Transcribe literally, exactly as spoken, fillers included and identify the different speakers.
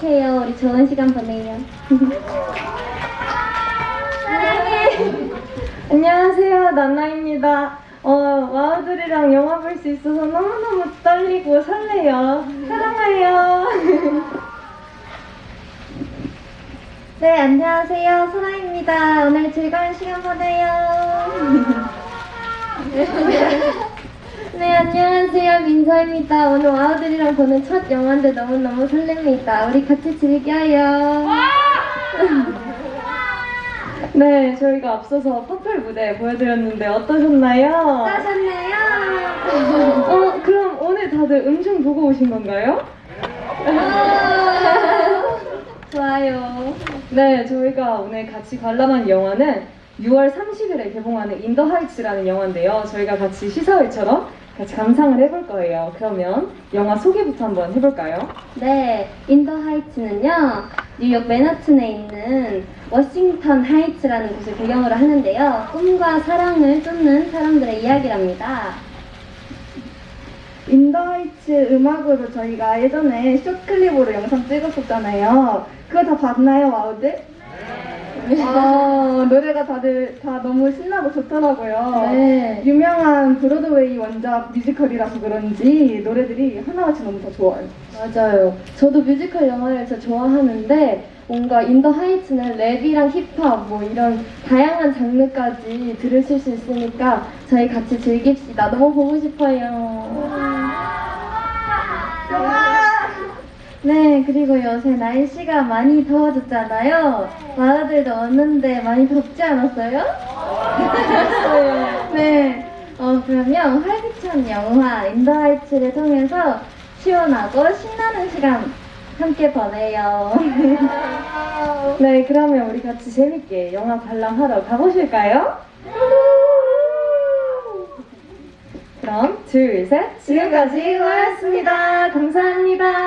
Speaker 1: 약속해요. 우리 좋은 시간 보내요.
Speaker 2: 안녕하세요, 나나입니다. 어, 와우들이랑 영화 볼 수 있어서 너무너무 떨리고 설레요. 사랑해요.
Speaker 1: 네, 안녕하세요. 소라입니다. 오늘 즐거운 시간 보내요. 네, 안녕하세요. 민서입니다. 오늘 와우들이랑 보는 첫 영화인데 너무너무 설렙니다. 우리 같이 즐겨요.
Speaker 2: 네, 저희가 앞서서 퍼플 무대 보여드렸는데 어떠셨나요?
Speaker 1: 어떠셨나요?
Speaker 2: 어, 그럼 오늘 다들 음중 보고 오신 건가요?
Speaker 1: 좋아요.
Speaker 2: 네, 저희가 오늘 같이 관람한 영화는 유월 삼십일에 개봉하는 인더 하이츠라는 영화인데요. 저희가 같이 시사회처럼 같이 감상을 해볼 거예요. 그러면 영화 소개부터 한번 해볼까요?
Speaker 1: 네, 인더 하이츠는요, 뉴욕 맨하튼에 있는 워싱턴 하이츠라는 곳을 배경으로 하는데요. 꿈과 사랑을 쫓는 사람들의 이야기랍니다.
Speaker 2: 인더하이츠 음악으로 저희가 예전에 숏클립으로 영상 찍었었잖아요. 그거 다 봤나요, 와우들? 아, 노래가 다들 다 너무 신나고 좋더라고요.
Speaker 1: 네.
Speaker 2: 유명한 브로드웨이 원작 뮤지컬이라서 그런지 노래들이 하나같이 너무 다 좋아요.
Speaker 1: 맞아요. 저도 뮤지컬 영화를 진짜 좋아하는데 뭔가 인더 하이츠는 랩이랑 힙합 뭐 이런 다양한 장르까지 들으실 수 있으니까 저희 같이 즐깁시다. 너무 보고 싶어요. 네, 그리고 요새 날씨가 많이 더워졌잖아요. 마라들도 왔는데 많이 덥지 않았어요? 네. 어, 그러면 활기찬 영화 인더 하이츠를 통해서 시원하고 신나는 시간 함께 보내요.
Speaker 2: 네, 그러면 우리 같이 재밌게 영화 관람하러 가보실까요? 그럼 둘, 셋, 지금까지 와였습니다. 감사합니다.